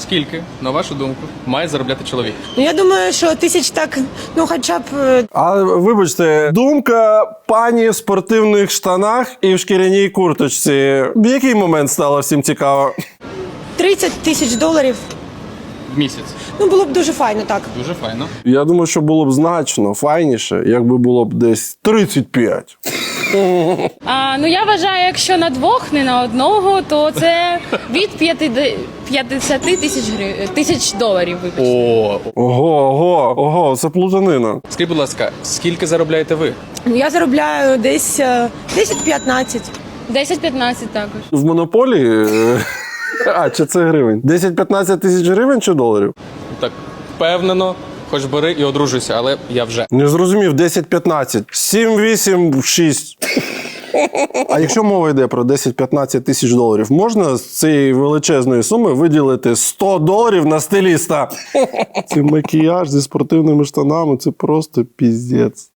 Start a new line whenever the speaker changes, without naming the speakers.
Скільки, на вашу думку, має заробляти чоловік?
Ну, я думаю, що тисяч так, ну хоча б
А вибачте, думка пані в спортивних штанах і в шкіряній курточці. В який момент стало всім цікаво?
30 тисяч доларів.
В місяць.
Ну, було б дуже файно, так.
Дуже файно.
Я думаю, що було б значно файніше, якби було б десь 35.
Ну, я вважаю, якщо на двох, не на одного, то це від 50 тисяч доларів, вибачте.
О,
Ого, це плутанина.
скажіть, будь ласка, скільки заробляєте ви?
Ну, я заробляю десь 10-15.
10-15 також.
В монополії. Чи це гривень? 10-15 тисяч гривень чи доларів?
Так, впевнено, хоч бери і одружуйся, але я вже.
Не зрозумів, 10-15. 7-8-6. А якщо мова йде про 10-15 тисяч доларів, можна з цієї величезної суми виділити 100 доларів на стиліста? Це макіяж зі спортивними штанами, це просто піздець.